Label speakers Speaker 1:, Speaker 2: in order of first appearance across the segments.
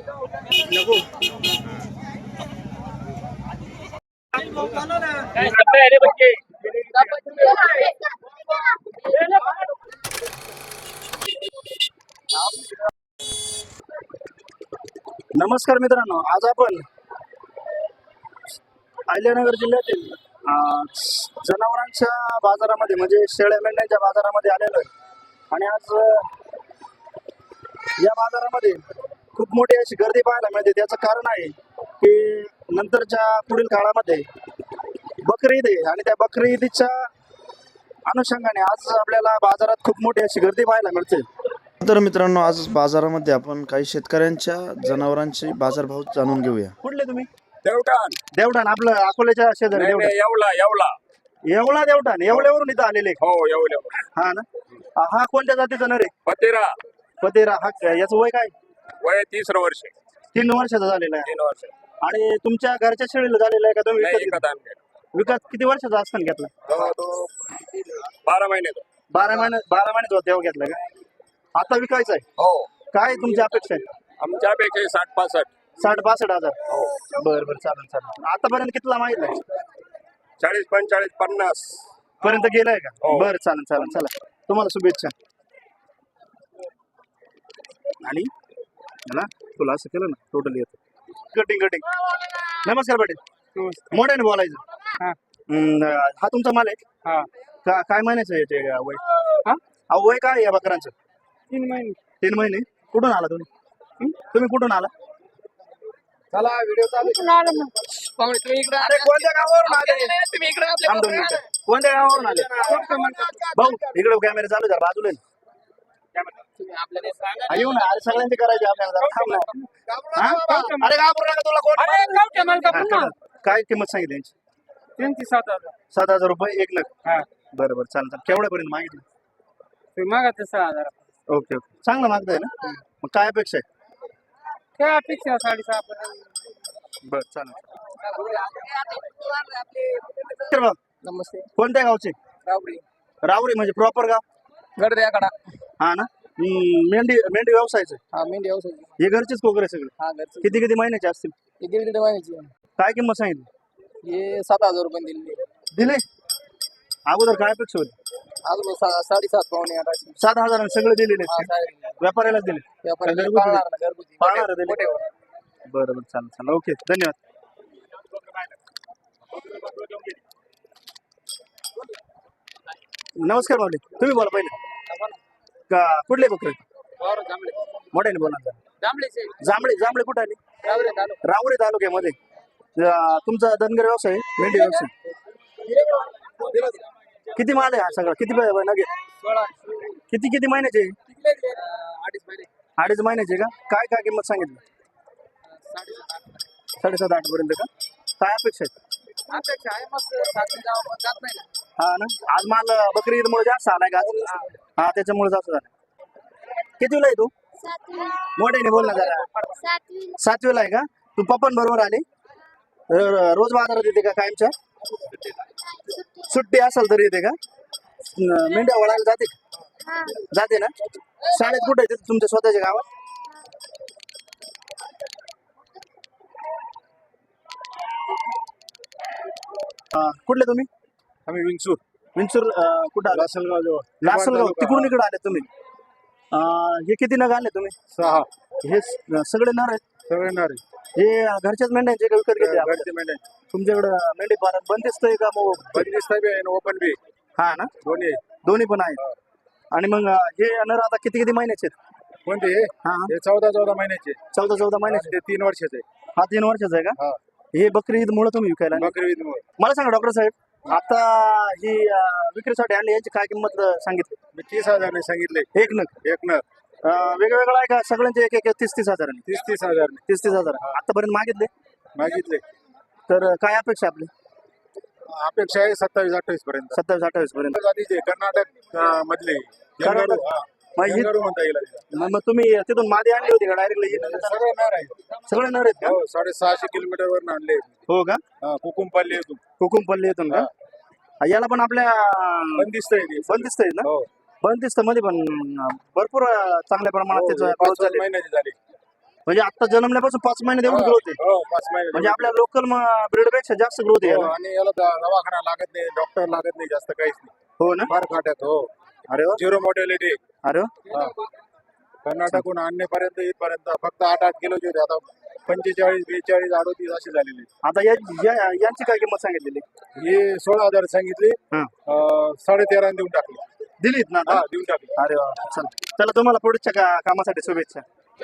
Speaker 1: नको.
Speaker 2: काय करताय रे बच्चे?
Speaker 1: नमस्कार मित्रांनो, आज आपण अहिल्यानगर जिल्ह्यातील जनावरांच्या बाजारामध्ये म्हणजे शेळ्या मेंढ्यांच्या बाजारामध्ये आलेलो आहे. आणि आज या बाजारामध्ये खूप मोठी अशी गर्दी पाहायला मिळते. त्याचं कारण आहे की नंतरच्या पुढील काळामध्ये बकरी ईद आहे आणि त्या बकरी ईदच्या अनुषंगाने आज आपल्याला बाजारात खूप मोठी अशी गर्दी पाहायला मिळते.
Speaker 3: तर मित्रांनो, आज बाजारामध्ये आपण काही शेतकऱ्यांच्या जनावरांचे बाजारभाव जाणून घेऊया.
Speaker 1: कुठले तुम्ही?
Speaker 2: देवठाण.
Speaker 1: देवठाण, आपलं अकोल्याच्या शेजारी
Speaker 2: नाही,
Speaker 1: देवठाण.
Speaker 2: नाही, येवला.
Speaker 1: येवला देवठाण, येवल्यावरून इथं आलेले.
Speaker 2: हो, येवला.
Speaker 1: हा ना. हा कोणत्या जातीचा नर आहे?
Speaker 2: पतेरा.
Speaker 1: पतेरा. हा याचं वय काय?
Speaker 2: वय 30 वर्ष.
Speaker 1: 3 वर्षाचा झालेला आहे.
Speaker 2: 3 वर्ष.
Speaker 1: आणि तुमच्या घरच्या शेळीला झालेला आहे का तुम्ही
Speaker 2: नाही,
Speaker 1: विकत
Speaker 2: विकत
Speaker 1: घेतला?
Speaker 2: आणले.
Speaker 1: विकत किती वर्षाचा असताना घेतला?
Speaker 2: तो 12 महिने.
Speaker 1: 12 महिन्याचा होता तेव्हा घेतला का? आता विकायचा आहे.
Speaker 2: हो.
Speaker 1: काय तुमची अपेक्षा आहे?
Speaker 2: आमच्यापेक्षा 60-65.
Speaker 1: 60-62 हजार.
Speaker 2: हो.
Speaker 1: बरं चालेल. आतापर्यंत कितीला मागितलं?
Speaker 2: 40-45-50
Speaker 1: पर्यंत गेलाय का?
Speaker 2: हो.
Speaker 1: बरं चालेल. चला, तुम्हाला शुभेच्छा. आणि मला तुला असं केलं ना टोटली येतं कटिंग. नमस्कार पाटील. मोठ्याने बोलायचं. हा तुमचा माल आहे? काय महिन्याचं आहे ते वय? वय काय या बकरांचं? 3 महिने. कुठून आला तुम्ही कुठून आला?
Speaker 2: चला, व्हिडिओ चालू. तुम्ही इकडे.
Speaker 1: अरे कोणत्या गावावरून आले?
Speaker 2: तुम्ही इकडे.
Speaker 1: थांब 2 मिनिटं. कोणत्या गावावरून आले? भाऊ इकडे कॅमेरा चालू जरा बाजूला ये. येऊ ना. अरे सगळ्यांचे करायचे आपल्याला जरा थांब ना. अरे घाबरू नका, तुला कोण? काय किंमत सांगितली यांची?
Speaker 2: त्यांची 7,000.
Speaker 1: 7,000 रुपये एक नग. बरं चालेल. केवढ्यापर्यंत मागितलं?
Speaker 2: तुम्ही मागा ते 6,000.
Speaker 1: ओके. चांगलं मागताय ना. मग काय अपेक्षा आहे?
Speaker 2: काय अपेक्षा 6.5 पर्यंत.
Speaker 1: बरं चालेल. तर मग
Speaker 2: नमस्ते.
Speaker 1: कोणत्या गावचे? रावरी म्हणजे प्रॉपर गाव?
Speaker 2: गडद्याकडा.
Speaker 1: हा ना. मेंढी व्यवसायाचं?
Speaker 2: हा, मेंढी व्यवसाय.
Speaker 1: हे घरचेच कोकरे सगळे?
Speaker 2: हा, घरचे.
Speaker 1: किती माहिन्याचे असतील?
Speaker 2: हे 1.5 महिन्याची.
Speaker 1: काय किंमत सांगितली?
Speaker 2: हे 7,000 रुपये
Speaker 1: दिले. अगोदर काय अपेक्षा होती?
Speaker 2: अजून 7.5 पावणे 8.
Speaker 1: 7,000 सगळे दिलेले व्यापाऱ्यालाच दिले? पाळणार दिले? बरं चालेल. ओके, धन्यवाद. नमस्कार माऊली. तुम्ही बोला पहिले. का कुठले बकरे? मोठ्याने बोला. जांभळे कुठे आले? रावरी तालुक्यामध्ये. तुमचा धनगर व्यवसाय? मेंढी व्यवसाय. किती माल आहे हा सगळा? किती नगे? किती महिन्याचे? 2.5 महिन्याचे का? काय किंमत सांगितली? 7.5-8 पर्यंत का? काय अपेक्षा आहे? हा ना. आज माल बकरी ईदमुळे जास्त आलाय का? हा, त्याच्यामुळे जास्त झालं. कितीला आहे तू? मोठ्याने बोल ना जरा. 7वीला आहे का? तू पप्पन बरोबर आले? रोज बाजारात येते का कायमच्या? सुट्टी असेल तरी येते का? मेंढ्या वळायला जाते ना? शाळेत कुठे येते तुमच्या स्वतःच्या गावात? कुठले तुम्ही?
Speaker 2: आम्ही विंचूर.
Speaker 1: कुठं? लासलगाव. तिकडून इकडे आले तुम्ही? हे किती नग आले तुम्ही?
Speaker 2: 6.
Speaker 1: हे सगळे नर आहेत?
Speaker 2: सगळे नारे.
Speaker 1: हे घरच्याच मेंढ्यांचे का विकत घेतले?
Speaker 2: घरचे मेंढ्या.
Speaker 1: तुमच्याकडे मेंढी पालन बंदिस्त आहे का? मग
Speaker 2: बंदिस्त बी आहे, ओपन बी.
Speaker 1: हा ना. दोन्ही पण आहेत. आणि मग हे नर आता किती महिन्याचे आहेत?
Speaker 2: कोणते?
Speaker 1: हा,
Speaker 2: हे 14 महिन्याचे.
Speaker 1: 14 महिन्याचे.
Speaker 2: ते 3 वर्षाचे.
Speaker 1: हा, 3 वर्षाचा आहे का? हे बकरी ईद मुळे तुम्ही विकायला?
Speaker 2: बकरी ईद मुळे.
Speaker 1: मला सांगा डॉक्टर साहेब, आता ही विक्रीसाठी आणली, याची काय किंमत सांगितली?
Speaker 2: मी 30,000 ने सांगितले.
Speaker 1: एक नग. वेगवेगळा आहे का? सगळ्यांचे एक 30-30 हजार?
Speaker 2: 30,000.
Speaker 1: 30,000 आतापर्यंत
Speaker 2: मागितले.
Speaker 1: तर काय अपेक्षा आपली?
Speaker 2: अपेक्षा आहे 27-28 पर्यंत.
Speaker 1: 27-28 पर्यंत.
Speaker 2: कर्नाटक मधले.
Speaker 1: कर्नाटक.
Speaker 2: म्हणता येईल.
Speaker 1: मग तुम्ही तिथून मादी आणली होती का डायरेक्टली?
Speaker 2: सगळे नर आहे.
Speaker 1: सगळे नर आहेत का?
Speaker 2: 650 किलोमीटर वर आणले.
Speaker 1: हो का?
Speaker 2: कुकुमपल्ली
Speaker 1: येथून का? याला पण आपल्या
Speaker 2: बंदिस्त
Speaker 1: आहे ना? बंदिस्त मध्ये पण भरपूर चांगल्या प्रमाणात त्याचं ग्रोथ झाली.
Speaker 2: 5 महिन्याची झाली.
Speaker 1: म्हणजे आता जन्मल्यापासून 5 महिने एवढी ग्रोथ आहे.
Speaker 2: हो 5 महिने
Speaker 1: म्हणजे आपल्या लोकल ब्रीड पेक्षा जास्त ग्रोथ आहे
Speaker 2: हो,
Speaker 1: याला.
Speaker 2: आणि याला दवाखाना लागत नाही, डॉक्टर लागत नाही, जास्त काहीच नाही.
Speaker 1: हो ना.
Speaker 2: फार खाट्यात. हो,
Speaker 1: अरे वा.
Speaker 2: Zero mortality.
Speaker 1: अरे वा.
Speaker 2: कर्नाटकहून आणण्यापर्यंत इथपर्यंत फक्त 8 किलोचे होते, आता 45, 42, 38 अशी झालेली.
Speaker 1: आता यांची काय किंमत सांगितलेली?
Speaker 2: ही 16,000 सांगितली,
Speaker 1: हा.
Speaker 2: 13.5 देऊन टाकली.
Speaker 1: दिलीत ना आता?
Speaker 2: हा, देऊन टाकली.
Speaker 1: अरे वा. चला तुम्हाला पुढच्या कामासाठी शुभेच्छा.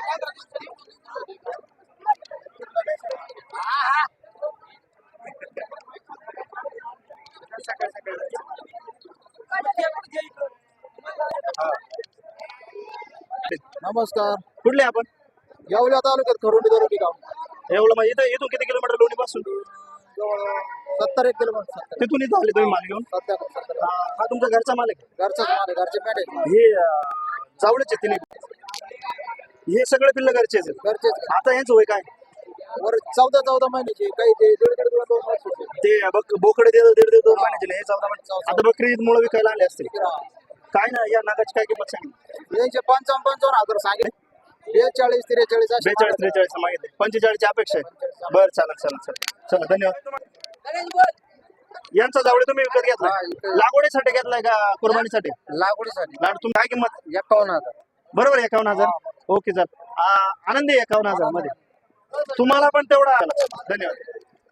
Speaker 2: नमस्कार.
Speaker 1: कुठले आपण?
Speaker 2: येवला तालुक्यात खरोडी दरोडी गाव.
Speaker 1: एवढं मग इथून किती किलोमीटर लोणी पासून?
Speaker 2: 70 किलोमीटर.
Speaker 1: तिथून इथं आले तुम्ही माल घेऊन? हा तुमचा घरचा माल आहे?
Speaker 2: घरचाच माल आहे, घरचे पेट आहे.
Speaker 1: हे जावळेचे तिने हे सगळे पिल्ल घरचेच आहेत.
Speaker 2: घरचेच.
Speaker 1: आता यांचं वय काय?
Speaker 2: वर 14 महिन्याचे, काही ते 1.5 2 वर्षाचे.
Speaker 1: ते बोकडे 1.5 महिन्याचे हे 14 महिने. आता बकरी ईद मुळे विकायला आले असतील. काय ना या नागाची काय किंमत सांगितली?
Speaker 2: यांचे 55,000 सांगितले. 42 43 असे
Speaker 1: 42 43 मागितले. 45 ची अपेक्षा आहे. बरं चालेल. चला धन्यवाद. यांचा जावळे तुम्ही विकत घेतला? लागवडीसाठी घेतलाय का कुर्बानीसाठी?
Speaker 2: लागवडीसाठी.
Speaker 1: तुम्ही काय किंमत?
Speaker 2: 51,000.
Speaker 1: बरोबर 51,000. Okay sir. आनंदी 51,000 मध्ये तुम्हाला पण तेवढा. धन्यवाद.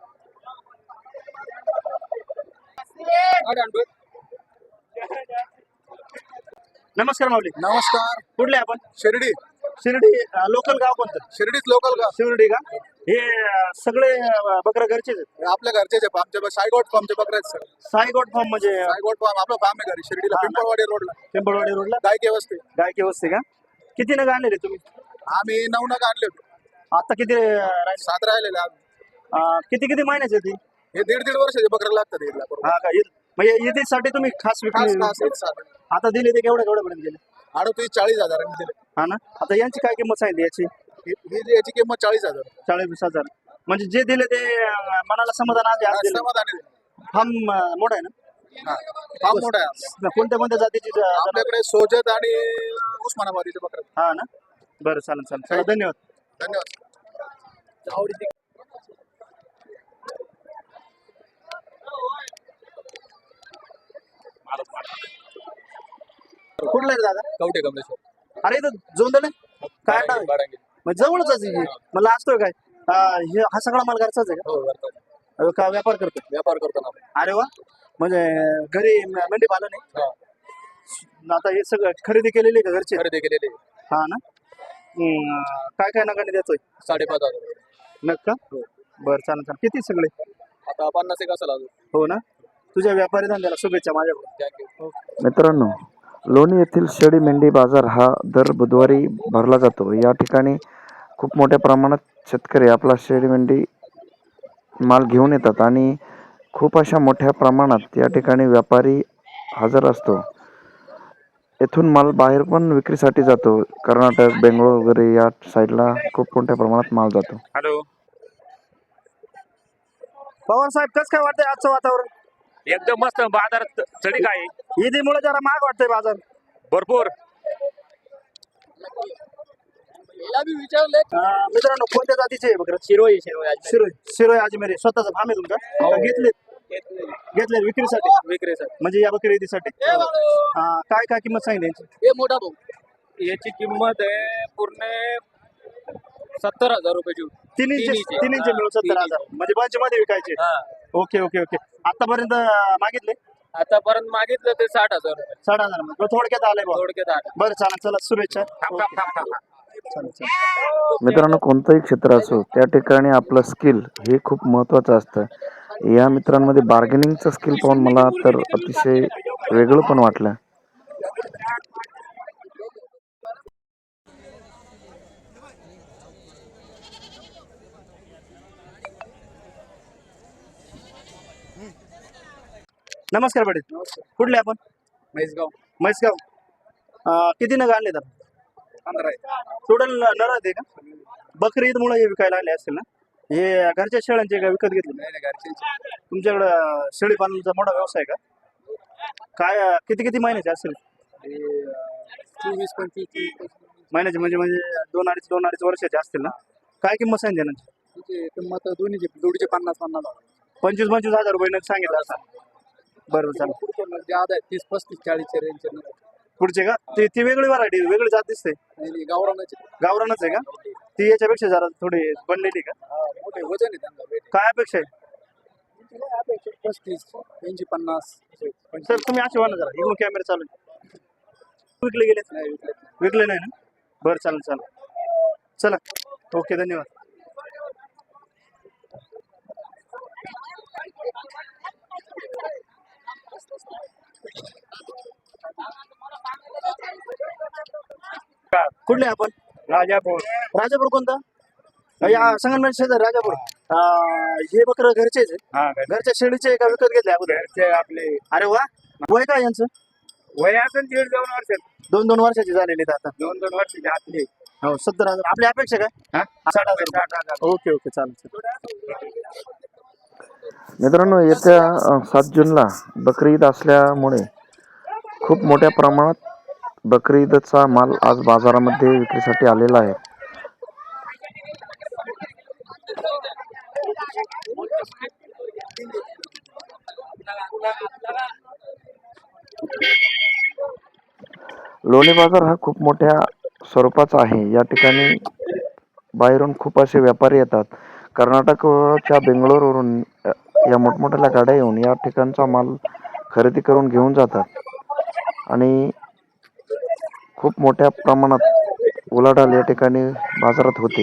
Speaker 1: नमस्कार माऊली.
Speaker 2: नमस्कार.
Speaker 1: कुठले आपण?
Speaker 2: शिर्डी.
Speaker 1: शिर्डी. लोकल गाव कोणतं?
Speaker 2: शिर्डीच लोकल का?
Speaker 1: शिर्डी का? हे सगळे बकरा घरचेच आहेत?
Speaker 2: आपल्या घरचेच आहे. आमच्या सायगोट फार्मचे बकरे आहेत सर.
Speaker 1: साईगोट फार्म म्हणजे
Speaker 2: सायगोट फार्म आपलं फार्म आहे घरी शिर्डीला, पिंपळवाडी रोडला.
Speaker 1: पिंपळवाडी रोडला
Speaker 2: गायके वस्ती.
Speaker 1: गायकी वस्ती का? किती नग आणले तुम्ही?
Speaker 2: आम्ही 9 नग आणले होते.
Speaker 1: आता किती राहिले?
Speaker 2: 7 राहिलेले आम्ही.
Speaker 1: किती महिन्याचे ती?
Speaker 2: हे 1.5 वर्षाचे बकरे लागतात ईदला बरोबर.
Speaker 1: हा का? म्हणजे ईदीसाठी तुम्ही खास विकले? आता दिले ते केवढ्या पर्यंत गेले?
Speaker 2: 38-40,000 दिले.
Speaker 1: हा ना. आता यांची काय किंमत सांगितली याची?
Speaker 2: याची किंमत 40,000.
Speaker 1: 40,000. म्हणजे जे दिले ते मनाला समाधान आहे.
Speaker 2: समाधानी आहे.
Speaker 1: फार्म मोठा आहे ना?
Speaker 2: हा, फार्म मोठा आहे.
Speaker 1: कोणत्या जातीची?
Speaker 2: आपल्याकडे सोजत आणि उस्मानाबादीचे बकरे.
Speaker 1: हा ना. बरं चालेल. चला धन्यवाद.
Speaker 2: धन्यवाद.
Speaker 1: कुठला आहे दादा?
Speaker 2: कवठे कमलेश्वर.
Speaker 1: अरे इथं जोंदल आहे काय नाव आहे? मग जवळच आहे. मला असतोय काय हा सगळा माल घरचाच आहे
Speaker 2: हो,
Speaker 1: का व्यापार करतो?
Speaker 2: व्यापार करतो ना.
Speaker 1: अरे वा. म्हणजे घरी मेंढी पालन आहे. आता हे सगळं खरेदी केलेली का घरची?
Speaker 2: खरेदी केलेली.
Speaker 1: हा ना. काय नगाने देतोय?
Speaker 2: 5,500.
Speaker 1: नग का? बरं चालेल. किती सगळे?
Speaker 2: आता 50 एक असेल अजून.
Speaker 1: हो ना. तुझ्या व्यापारी धंद्याला शुभेच्छा माझ्याकडून.
Speaker 3: मित्रांनो, लोणी येथील शेळी मेंढी बाजार हा दर बुधवारी भरला जातो. या ठिकाणी खूप मोठ्या प्रमाणात शेतकरी आपला शेळी मेंढी माल घेऊन येतात आणि खूप अशा मोठ्या प्रमाणात या ठिकाणी व्यापारी हजर असतो. येथून माल बाहेर पण विक्रीसाठी जातो. कर्नाटक, बेंगळूर वगैरे या साईडला खूप मोठ्या प्रमाणात माल जातो.
Speaker 1: हॅलो पवार साहेब, कसं काय वाटतंय आजचं वातावरण?
Speaker 4: एकदम मस्त. बाजार चढी काय
Speaker 1: ईदीमुळे जरा महाग वाटतंय बाजार
Speaker 4: भरपूर.
Speaker 1: मित्रांनो, कोणत्या जातीचे आहे बकरं? शिरोई अजमेरी. स्वतःचा फार्म आहे तुमचा? घेतले विक्रीसाठी? म्हणजे या बकरी ईदीसाठी. काय किंमत सांगितली यांची?
Speaker 2: हे मोठा भाऊ.
Speaker 4: याची किंमत आहे पूर्ण 70,000 रुपयाची.
Speaker 1: तिन्हीचे मिळून 70,000. म्हणजे बंच मध्ये विकायचे? ओके. आतापर्यंत मागितले?
Speaker 4: आतापर्यंत मागितलं ते 60,000 रुपये.
Speaker 1: 60,000. थोडक्यात आलंय बा.
Speaker 4: थोडक्यात आलं.
Speaker 1: बरं चालेल. चला शुभेच्छा.
Speaker 3: मित्रांनो, कोणतंही क्षेत्र असो त्या ठिकाणी आपलं स्किल हे खूप महत्त्वाचं असतं. या मित्रांमध्ये बार्गेनिंगचं स्किल पाहून मला तर अतिशय वेगळं पण वाटलं.
Speaker 1: नमस्कार पाटील. कुठले आपण? म्हैसगाव. किती नग आणले तर?
Speaker 2: 15.
Speaker 1: टोटल नर आहे का? बकरी ईद मुळे हे विकायला आले असतील ना? हे घरच्या शेळ्यांचे का विकत घेतले? तुमच्याकडं शेळी पालनाचा मोठा व्यवसाय का? काय किती महिन्याचे असेल?
Speaker 2: 24-25.
Speaker 1: महिन्याचे म्हणजे 2-2.5 वर्षाचे असतील ना. काय किंमत सांगितली ना?
Speaker 2: तिची किंमत दोन्हीची जोडीचे 50-50
Speaker 1: 25,000 रुपये नग सांगितलं असं. बरोबर चालेल.
Speaker 2: पुढचे मग जे आधा 30-35-40 रेंजचे
Speaker 1: पुढचे का ती वेगळी व्हरायटी वेगळी जात दिसते.
Speaker 2: गावरानाचे
Speaker 1: गावरानच आहे का ती? याच्यापेक्षा जरा थोडी बनलेली का?
Speaker 2: मोठे वजन आहे त्यांना weight.
Speaker 1: काय अपेक्षा आहे?
Speaker 2: 35, 80, 50
Speaker 1: सर तुम्ही असे ना जरा इकडून कॅमेरा चालू आहे. विकले गेले
Speaker 2: नाही विकले.
Speaker 1: विकले नाही ना? बरं चालेल चालेल चला ओके धन्यवाद. कुठले आपण? राजापूर कोणता? या संगमनेर शेजार राजापूर. हे बकरं घरचेच आहे? घरच्या शेळीचे आहे का विकत घेतले अगोदर?
Speaker 2: आपले
Speaker 1: अरे वा. वय काय यांचं?
Speaker 2: वय असेल 1.5-2 वर्ष
Speaker 1: 2-2 वर्षाची झालेली आहेत आता.
Speaker 2: 2-2 वर्षाचे आतले.
Speaker 1: हो 70,000. आपली अपेक्षा काय? 60,000. ओके ओके चालेल.
Speaker 3: मित्रांनो, येत्या 7 जूनला बकरी ईद असल्यामुळे खूप मोठ्या प्रमाणात बकरी ईदचा माल आज बाजारामध्ये विक्रीसाठी आलेला आहे. लोणी बाजार हा खूप मोठ्या स्वरूपाचा आहे. या ठिकाणी बाहेरून खूप असे व्यापारी येतात. कर्नाटकच्या बेंगलोरवरून या मोठमोठ्या गाड्या येऊन या ठिकाणचा माल खरेदी करून घेऊन जातात आणि खूप मोठ्या प्रमाणात उलाढाल या ठिकाणी बाजारात होते.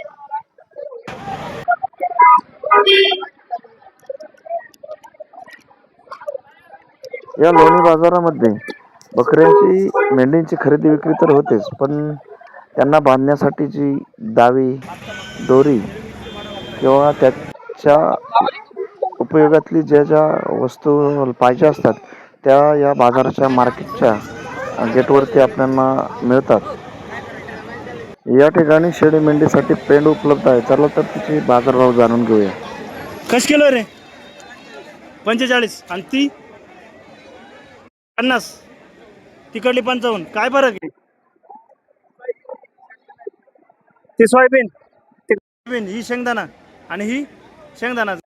Speaker 3: या लोणी बाजारामध्ये बकऱ्यांची मेंढींची खरेदी विक्री तर होतेच, पण त्यांना बांधण्यासाठीची दावी, दोरी किंवा त्याच्या उपयोगातली ज्या वस्तू पाहिजे असतात त्या या बाजाराच्या मार्केटच्या गेटवरती आपल्याला मिळतात. या ठिकाणी शेळी मेंढीसाठी पेंड उपलब्ध आहे. चला तर तिचे बाजारभाव जाणून घेऊया.
Speaker 1: कश किलो रे? 45 आणि ती 50. तिकडली 55. काय फरक आहे? ती सोयाबीन ही शेंगदाणा आणि ही शेंगदाणा.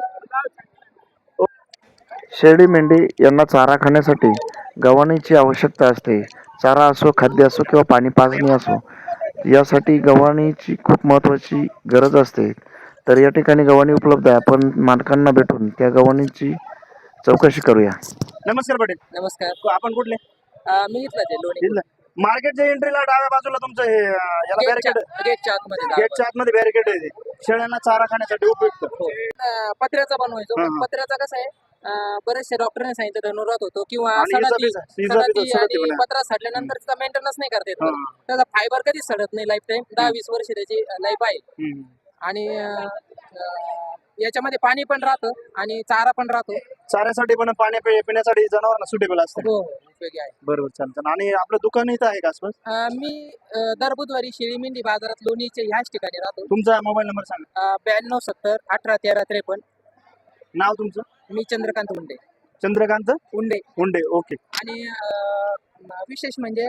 Speaker 3: शेळी मेंढी यांना चारा खाण्यासाठी गव्हाणीची आवश्यकता असते. चारा असो, खाद्य असो किंवा पाणी पाजणी असो, यासाठी गव्हाणीची खूप महत्त्वाची गरज असते. तर या ठिकाणी गव्हाणी उपलब्ध आहे. आपण मालकांना भेटून त्या गव्हाणीची चौकशी करूया.
Speaker 1: नमस्कार पाटील.
Speaker 5: नमस्कार.
Speaker 1: आपण कुठले?
Speaker 5: मी इथलाच आहे लोणी.
Speaker 1: मार्केटच्या एंट्रीला डाव्या बाजूला तुमचं हे याला बॅरिकेड,
Speaker 5: गेटच्या आतमध्ये
Speaker 1: गेटच्या आतमध्ये बॅरिकेड आहे ते. शेळ्यांना चारा खाण्यासाठी उपयुक्त.
Speaker 5: पत्र्याचा बनवायचो.
Speaker 1: हा.
Speaker 5: पत्र्याचा कसं आहे, बरेचशे डॉक्टरने सांगितलं धनुरात होतो किंवा
Speaker 1: आणि
Speaker 5: सणाची
Speaker 1: सडती
Speaker 5: आणि
Speaker 1: पण आहे.
Speaker 5: पत्रा सडल्यानंतर त्याचा मेंटेनन्स नाही करता येत.
Speaker 1: हा.
Speaker 5: त्याचा फायबर कधीच सडत नाही. लाईफ टाईम 10-20 वर्ष त्याची लाईफ आहे.
Speaker 1: हम्म.
Speaker 5: आणि याच्यामध्ये पाणी पण राहतं आणि चारा पण राहतो.
Speaker 1: चाऱ्यासाठी पण पाणी पिण्यासाठी जनावरांना सुटेबल असतं.
Speaker 5: हो, उपयोगी आहे.
Speaker 1: बरोबर चालतं. आणि आपलं दुकान इथं आहे का आसपास?
Speaker 5: मी दर बुधवारी शेळी मेंढी बाजारात लोणीचे ह्याच ठिकाणी राहतो.
Speaker 1: तुमचा मोबाईल नंबर सांगा.
Speaker 5: 9270-181353.
Speaker 1: नाव तुमचं?
Speaker 5: मी चंद्रकांत उंडे.
Speaker 1: चंद्रकांत
Speaker 5: उंडे.
Speaker 1: उंडे. ओके.
Speaker 5: आणि विशेष म्हणजे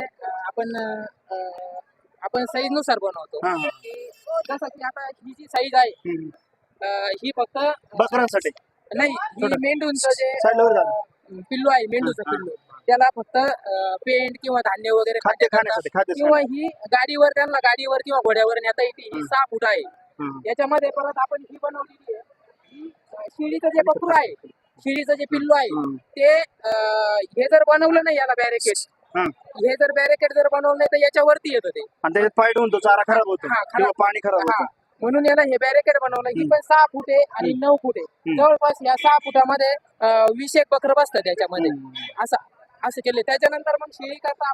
Speaker 5: आपण साईज नुसार बनवतो.
Speaker 1: हा, हा.
Speaker 5: जसं की आता ही जी साईज आहे
Speaker 1: हम्म.
Speaker 5: ही फक्त
Speaker 1: बकऱ्यांसाठी
Speaker 5: नाही, ही मेंढूंचं जे
Speaker 1: साईडवर झालं.
Speaker 5: पिल्लू आहे, मेंढूचं
Speaker 1: हा.
Speaker 5: पिल्लू, त्याला फक्त पेंट किंवा धान्य वगैरे
Speaker 1: खाद्य
Speaker 5: खाण्याकरता
Speaker 1: खाण्यासाठी खाद्य
Speaker 5: किंवा ही गाडीवर त्यांना गाडीवर किंवा घोड्यावर नेता येते. ही 6 फूट आहे.
Speaker 1: हम्म.
Speaker 5: याच्यामध्ये परत आपण ही बनवलेली आहे. ही शेळीचं जे बकरू आहे, शेळीचं जे पिल्लू आहे
Speaker 1: हम्म.
Speaker 5: ते हे जर बनवलं नाही याला बॅरिकेड,
Speaker 1: हा.
Speaker 5: हे जर बॅरिकेड जर बनवलं नाही तर याच्यावरती येतं ते.
Speaker 1: आणि त्याच्यात फाईट होऊन तो चारा खराब होतो
Speaker 5: हा, खराब.
Speaker 1: किंवा पाणी खराब
Speaker 5: हा.
Speaker 1: होतं.
Speaker 5: म्हणून याला हे बॅरिकेड बनवलं. ही पण 6 फूट आहे आणि 9 फूट आहे. जवळपास या 6 फुटामध्ये 20 एक बकरं बसतात त्याच्यामध्ये. असं केलं. त्याच्यानंतर मग शेळी करता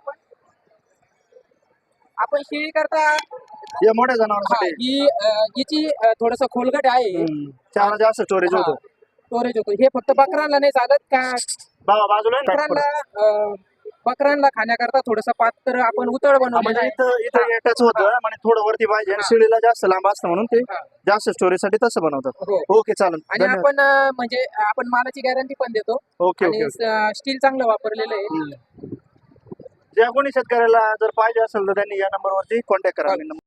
Speaker 5: आपण शेळी करता
Speaker 1: या मोठ्या जनावरांसाठी
Speaker 5: हिची थोडस खोलगट आहे.
Speaker 1: चारा जास्त स्टोरेज होतो.
Speaker 5: स्टोरेज होतो. हे फक्त बकरांना नाही चालत का?
Speaker 1: बाजूला आहे ना?
Speaker 5: बकरांना खाण्याकरता थोडस पात्र आपण उतळ बनवलं
Speaker 1: म्हणजे
Speaker 5: आहे.
Speaker 1: इथं एकच होतं म्हणजे थोडं वरती पाहिजे आणि शेळीला जास्त लांब असतं म्हणून ते जास्त स्टोरेज साठी तसं बनवतात.
Speaker 5: हो.
Speaker 1: ओके चालेल.
Speaker 5: आणि आपण म्हणजे आपण मालाची गॅरंटी पण देतो.
Speaker 1: ओके
Speaker 5: आणि
Speaker 1: ओके.
Speaker 5: स्टील चांगलं वापरलेलं आहे.
Speaker 1: ज्या कोणी शेतकऱ्याला जर पाहिजे असेल तर त्यांनी या नंबरवरती कॉन्टॅक्ट करा.